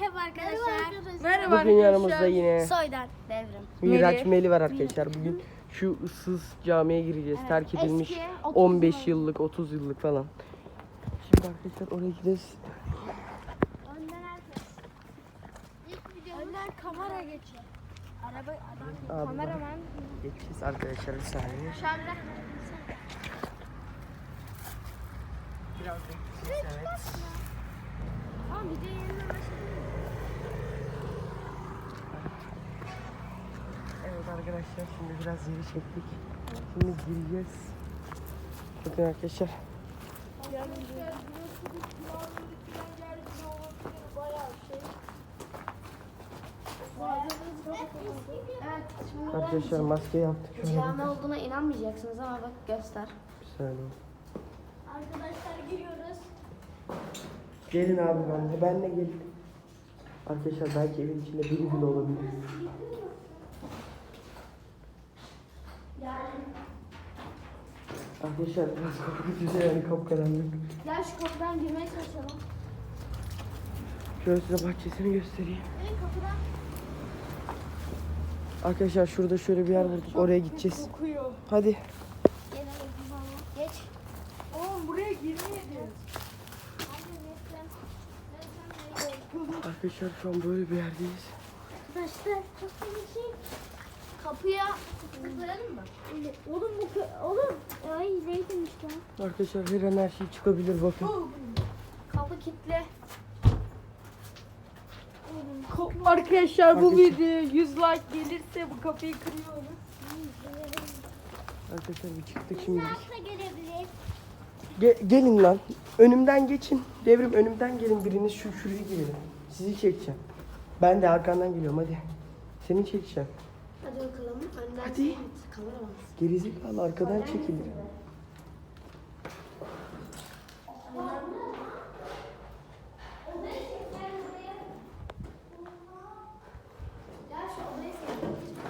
Merhaba arkadaşlar. Merhaba Bugün yanımızda yine Soydan Devrim. Miraç Meli var arkadaşlar. Bugün şu ıssız camiye gireceğiz. Terk edilmiş eski, 30 15 yıllık, 30 yıllık falan. Şimdi arkadaşlar oraya gideceğiz. Önden herkes. İlk videomuz. Önden kamera geçiyor. Araba Abi kameraman. Geçeceğiz arkadaşlar bir saniye. Şu anda. Biraz bekleyeceğiz, evet. Aa video yeniden başladı. Evet arkadaşlar şimdi biraz yeri çektik. Şimdi gireceğiz. Bakın arkadaşlar. Arkadaşlar maske yaptık. Şöyle Cami olduğuna inanmayacaksınız ama bak göster. bir saniye. Arkadaşlar giriyoruz. Gelin abi benle gelin. Arkadaşlar belki evin içinde biri bile olabilir. Arkadaşlar biraz kapı güzel yani kapkaranlık. Gel şu kapıdan girmeye çalışalım. Şöyle size bahçesini göstereyim. Kapıdan. Arkadaşlar şurada şöyle bir yer bulduk. Oraya gideceğiz. Kokuyor. Hadi. Geç. Oğlum buraya girmeyelim. Arkadaşlar şu an böyle bir yerdeyiz. Arkadaşlar çok bir şey. Kapıya kıpıralım mı? Oğlum oğlum. Ay neydim işte. Arkadaşlar her an her şey çıkabilir bakın. Kapı kilitli. Arkadaşlar bu Arkadaşlar. videoya 100 like gelirse bu kapıyı kırıyoruz. Arkadaşlar bir çıktık şimdilik. Nasıl gelebilir? Gelin lan. Önümden geçin. Devrim önümden gelin biriniz şuraya girelim. Sizi çekeceğim. Ben de arkandan geliyorum hadi. Seni çekeceğim. Hadi bakalım. Önden Hadi. sen kameraman. Gerizekalı arkadan çekilir. Gel şu odaya sen.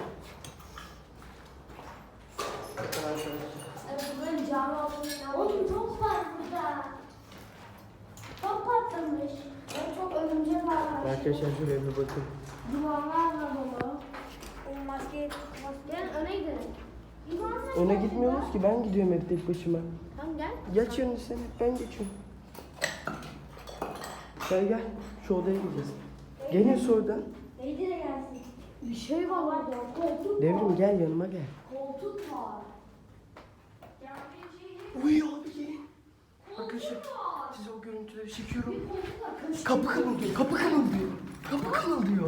Evet buranın cami olduğunu. Oğlum top var burada. Top patlamış. Evet çok örümcek var. Arkadaşlar şuraya bir bakın. Duvarlarla dolu. O maskeyi gel öne gidelim. Öne gitmiyoruz ki ben gidiyorum hep tek başıma. Tamam gel. Geç yönünü sen hep ben geçiyorum. Gel şu odaya gideceğiz. Gelin sonradan. Neydi de gelsin. Bir şey var orada. Koltuk. Devrim gel yanıma gel. Koltuk var. Uyuyor abi gelin. Arkadaşlar size o görüntüleri çekiyorum. Kapı kırılıyor, kapı kırılıyor. Kapı kırılıyor.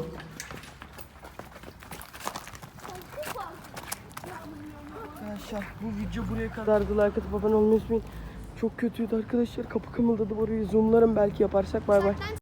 Arkadaşlar bu video buraya kadardı. Like atıp abone olmayı unutmayın. Çok kötüydü arkadaşlar. Kapı kımıldadı orayı zoomlarım belki yaparsak. Bay bay.